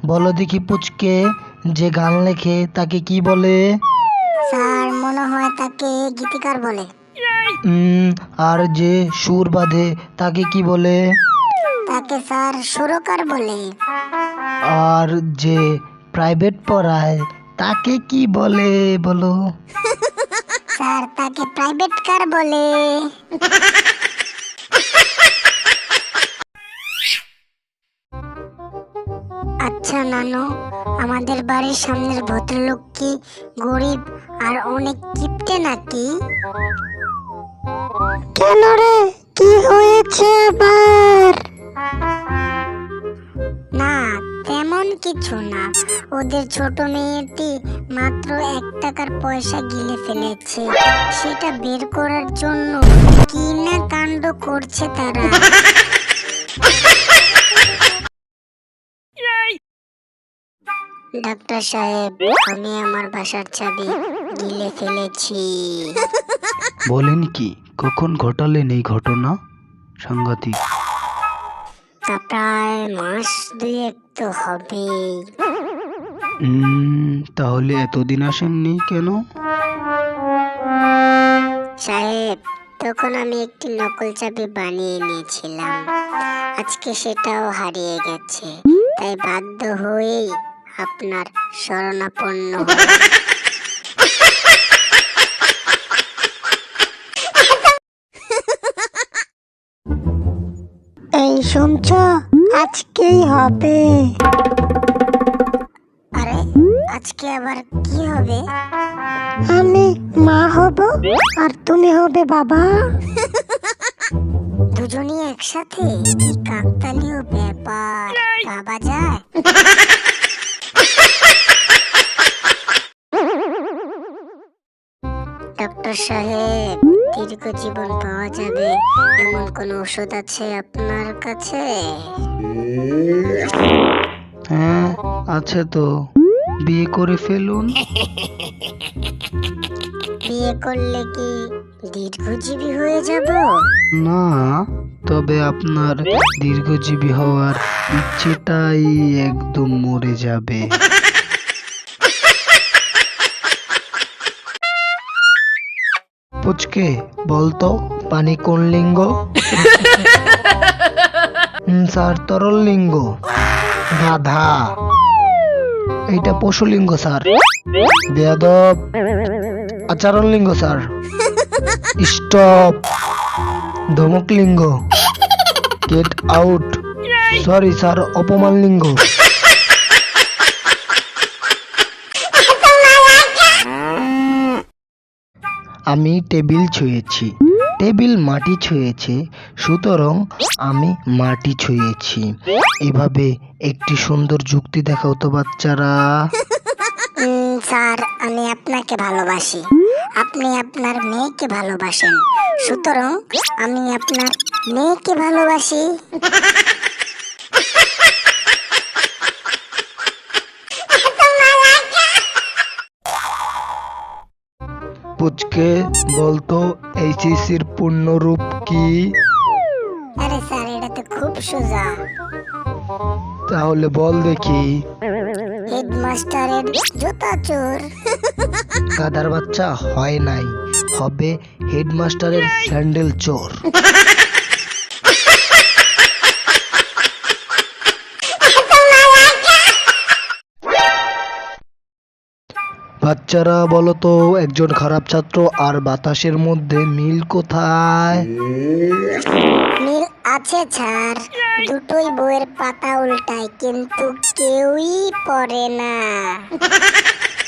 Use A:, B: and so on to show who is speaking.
A: বলো দেখি পুচকে, যে গান লেখে তাকে কি বলে?
B: স্যার মনে হয় তাকে গীতিকার বলে।
A: আর যে সুর বাঁধে তাকে কি বলে?
B: তাকে স্যার সুরকার বলে।
A: আর যে প্রাইভেট পড়ায় তাকে কি বলে বলো?
B: স্যার তাকে প্রাইভেট কার বলে। আচ্ছা নানু, আমাদের বাড়ির সামনের ভদ্রলোক কি গরিব আর অনেক কিপটে নাকি? কেন রে, কি হয়েছে আবার? না, তেমন কিছু না। ওদের ছোট মেয়েটি মাত্র 1 টাকার পয়সা গিলে ফেলেছে, সেটা বের করার জন্য কি না কাণ্ড করছে তারা। ডাক্তার সাহেব, আমি আমার বাসার চাবি গিলে ফেলেছি।
A: বলেন কি, কখন ঘটালেন এই ঘটনা? সাংঘাতিক।
B: তা প্রায় মাস 2 তো হবে।
A: তাহলে এতদিন আসেননি কেন?
B: সাহেব, তখন আমি একটি নকল চাবি বানিয়ে নিয়েছিলাম। আজকে সেটাও হারিয়ে গেছে, তাই বাধ্য হয়েই আপনার শরণাপন্ন হলাম। এই শুনছ, আজকেই হবে। আরে, আজকে আবার কি হবে? আমি মা হব আর তুমি হবে বাবা। দুজনই একসাথে, কি কাকতালীয় ব্যাপার, ভাবা যায়? ডক্টর সাহেব, দীর্ঘ জীবন পাওয়া যাবে এমন কোন ওষুধ আছে আপনার কাছে?
A: হ্যাঁ, আছে তো। বিয়ে করে ফেলুন।
B: বিয়ে করলে কি দীর্ঘজীবী হয়ে যাব?
A: না, তবে আপনার দীর্ঘজীবী হওয়ার ইচ্ছেটাই একদম মরে যাবে। পুচকে, বলতো পানি কোন লিঙ্গ? স্যার, তরল লিঙ্গ। গাধা, এইটা পশু লিঙ্গ স্যার। বেয়াদব। আচরণ লিঙ্গ স্যার। স্টপ। ধমক লিঙ্গ। Get out. সরি স্যার, অপমান লিঙ্গ। আমি টেবিল ছুঁয়েছি, টেবিল মাটি ছুঁয়েছে, সুতরাং আমি মাটি ছুঁয়েছি। এভাবে একটি সুন্দর যুক্তি দেখাও তো বাচ্চারা।
B: স্যার, আমি আপনাকে ভালোবাসি, আপনি আপনার মেয়েকে ভালোবাসেন, সুতরাং আমি আপনার মেয়েকে ভালোবাসি।
A: পুচকে, বলতো এইচএসসির পূর্ণরূপ কি?
B: আরে স্যার, এটা তো খুব সোজা।
A: তাহলে বল দেখি।
B: হেডমাস্টারের জুতা চোর।
A: গাধার বাচ্চা, হয় নাই, হবে হেডমাস্টারের স্যান্ডেল চোর। বাচ্চারা বলো তো, একজন খারাপ ছাত্র আর বাতাসের মধ্যে মিল কোথায়?
B: মিল আছে স্যার, দুটোই বইয়ের পাতা উল্টায় কিন্তু কেউই পড়ে না।